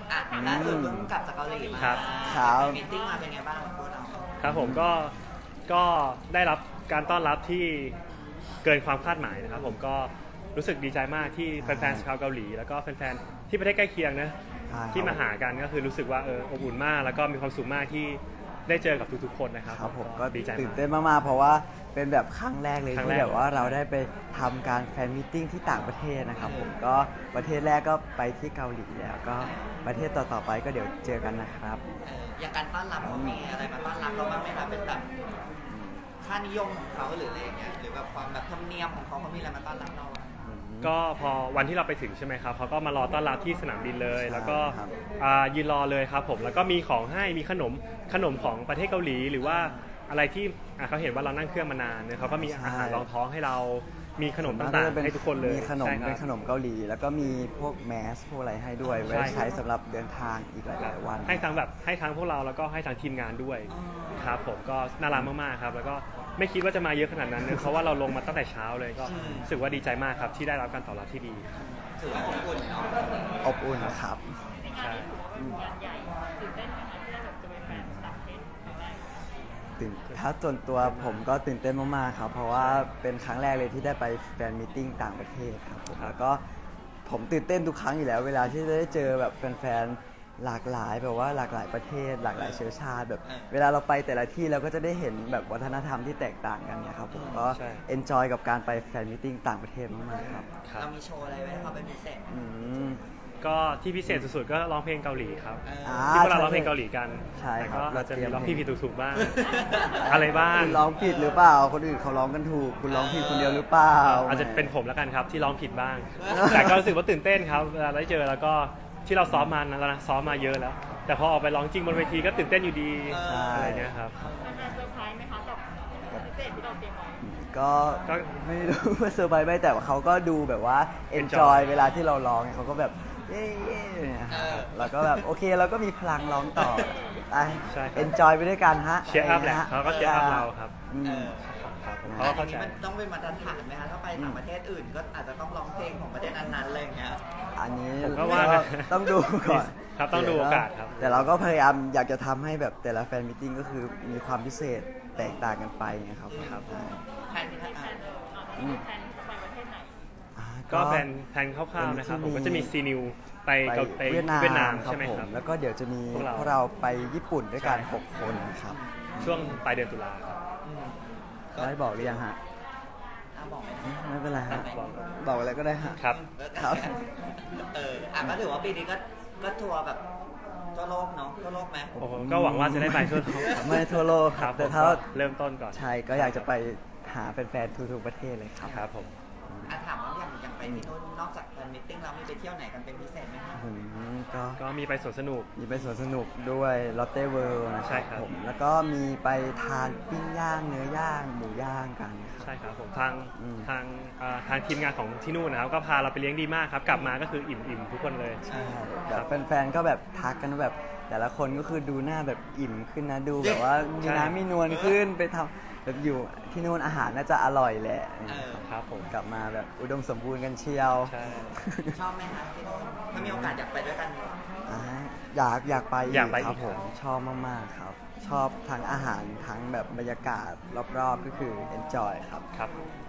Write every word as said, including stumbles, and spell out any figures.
อ่ะล่าสุดเพิ่งกลับจากเกาหลีมาครับครับมีตติ้งมาเป็นไงบ้างพวกเราครับผมก็ก็ได้รับการต้อนรับที่เกินความคาดหมายนะครับผมก็รู้สึกดีใจมากที่แฟนๆชาวเกาหลีแล้วก็แฟนๆที่ประเทศใกล้เคียงนะใช่ครับที่มาหากันก็คือรู้สึกว่าเอออบอุ่นมากแล้วก็มีความสุขมากที่ได้เจอกับทุกๆคนนะครับครับผมก็ดีใจตื่นมากเต้นมากๆเพราะว่าเป็นแบบครั้งแรกเลยครั้งแรที่กแบบว่าเราได้ไปทำการแฟนมิทติ้งที่ต่างประเทศนะครับผมก็ประเทศแรกก็ไปที่เกาหลีแล้วก็ประเทศต่อๆไปก็เดี๋ยวเจอกันนะครับเอออย่างการต้อนรับเขามีอะไรมาต้อนรับเราบ้างไหมคะเป็นแบบค่านิยมของเขาหรืออะไรอย่างเงี้ยหรือแบบความแบบธรรมเนียมของเขาเขามีอะไรมาต้อนรับเราอะก็พอวันที่เราไปถึงใช่ไหมครับเขาก็มารอต้อนรับที่สนามบินเลยใช่แล้วก็ครับอ่ายืนรอเลยครับผมแล้วก็มีของให้มีขนมขนมของประเทศเกาหลี หรือว่าอะไรที่อ่ะเขาเห็นว่าเรานั่งเครื่องมานานเนี่ยเขาก็มีอาหารรองท้องให้เรามีขนมต่างๆให้ทุกคนเลยมีขนมใช่ครับเป็นขนมเกาหลี แล้วก็มีพวกแมสพวกอะไรให้ด้วยไว้ใช่ใช้สำหรับเดินทางอีกหลายๆวันให้ทั้งแบบให้ทั้งพวกเราแล้วก็ให้ทั้งทีมงานด้วยครับผมก็น่ารักมากๆครับแล้วก็ไม่คิดว่าจะมาเยอะขนาดนั้นนะเพราะว่าเราลงมาตั้งแต่เช้าเลยก็รู้สึกว่าดีใจมากครับที่ได้รับการตอบรับที่ดีถือว่าอบอุ่นเนาะอบอุ่นครับใช่งานใหญ่ตื่นเต้นไหมคะที่ได้แบบจะเป็นแฟนต่างประเทศครั้งแรกตื่นถ้าส่วนตัวผมก็ตื่นเต้นมากๆครับ เพราะว่าเป็นครั้งแรกเลยที่ได้ไปแฟนมิทติ้งต่างประเทศครับผมแล้วก็ผมตื่นเต้นทุกครั้งอยู่แล้ว เวลาที่จะได้เจอแบบแฟนๆหลากหลายแบบว่าหลากหลายประเทศ หลากหลายเชื้อชาติแบบเวลาเราไปแต่ละที่เราก็จะได้เห็นแบบวัฒนธรรมที่แตกต่างกันเนี่ยครับผมก็เอนจอยกับการไปแฟนมิทติ้งต่างประเทศมากๆครับครับเรามีโชว์อะไรไว้ให้เขาเป็นพิเศษไหมอืมก็ที่พิเศษสุดๆก็ร้องเพลงเกาหลีครับเอออ่าที่พวกเราร้องเพลงเกาหลีกันใช่แต่ครับก็เราจะมีเราเตรียมร้องพี่ผิดถูกๆบ้าง อะไรบ้างคุณร้องผิดหรือเปล่า คนอื่นเขาร้องกันถูก คุณร้องผิดคนเดียวหรือเปล่าอาจจะเป็นผมแล้วกันครับที่ร้องผิดบ้าง แต่ก็รู้สึกว่าตื่นเต้นครับเวลาได้เจอแล้วก็ที่เราซ้อมมานะแล้วนะซ้อมมาเยอะแล้ว แต่พอออกไปร้องจริงบนเวทีก็ตื่นเต้นอยู่ดีใช่อะไรเงี้ยครับแฟนๆเซอร์ไพรส์ไหมคะกับพิเศษที่เราเตรียมไว้ก็ก็ไม่รู้ว่าเซอร์ไพรส์ไหมแต่ว่าเขาก็ดูแบบว่า Enjoy enjoy เวลาที่เราร้องเนี่ยเขาก็แบบเย้เย้เนี่ยครับแล้วก็แบบโอเคเราก็มีพลังร้องต่อไปใช่ครับ enjoy ไปด้วยกันฮะเชียร์อัพแหละเขาก็เชียร์อัพเราครับอืมเออครับผมนะเขาก็อัเข้าน ใจนี้มันต้องเป็นมาตรฐานไหมคะถ้าไปต่างประเทศอื่นก็อาจจะต้องร้องเพลงของประเทศนั้นๆอะไรอย่างเงี้ยอันนี้ผมก็ว่านะต้องดูก่อนครับต้องดูโอกาสครับแต่เราก็พยายามอยากจะทำให้แบบแต่ละแฟนมิทติ้งก็คือมีความพิเศษแตกต่างกันไปนะครับครับใช่แทนที่มีแฟอ่ะนเออตอนนี้มีแฟนจะไปประเทศไหนอ่าก็แผนแผนคร่าวๆนะครับผมก็จะมีซีนิวไปไปเกาไปเวียดนามเวียดนามครับใช่ไหมผครัมบแล้วก็เดี๋ยวจะมีพวกเราพวกเราไปญี่ปุ่นด้วยกันใช่หกคนครับช่วงปลายเดือนตุลาครับอืมได้บอกหรือยังฮะอ่ะบอกไหมไม่เป็นไรฮะบอกบอกอะไรก็ได้ฮะครับครับเอออ่ะก็ถือว่าปีนี้ก็ก็ทัวร์แบบทั่วโลกเนาะทั่วโลกไหมโอ้โหก็หวังว่าจะได้ไปทั่วโลกไม่ทั่วโลกคครัรับบแต่ถ้าผมก็เริ่มต้นก่อนใช่ก็อยากจะไปหาแฟนๆทุกๆประเทศเลยครับครับผมอ่ะถามว่าอย่างอย่างไปที่นู่นนอกจากแฟนมิทติ้งเรามีไปเที่ยวไหนกันเป็นพิเศษไหมคะอืมก็ก็มีไปสวนสนุกมีไปสวนสนุกด้วยลอตเต้เวิลด์นะคใช่รับครับผมแล้วก็มีไปทานปิ้งย่างเนื้อย่างหมูย่างกันครับใช่ครับผมทางอืมทางเอ่อทางทีมงานของที่นู่นนะครับก็พาเราไปเลี้ยงดีมากครับ กลับมาก็คืออิ่มอิ่มทุกคนเลยใช่แบบแฟนๆก็แบบทักกันว่าแบบ แต่ละคนก็คือดูหน้าแบบอิ่มขึ้นนะดูแบบว่ามีใช่น้ำมีนวลขึ้นไปทำแบบอยู่ที่นู่นอาหารน่าจะอร่อยแหละเออครับผมกลับมาแบบอุดมสมบูรณ์กันเชียวใช่ชอบไหมคะที่นู่นถ้ามีโอกาสอยากไปด้วยกันไหมอ่าอยากอยากไปอยากไปครับอีกผมครับชอบมากๆครับ ชอบทั้งอาหารทั้งแบบบรรยากาศรอบๆก็คือ enjoy ครับครับ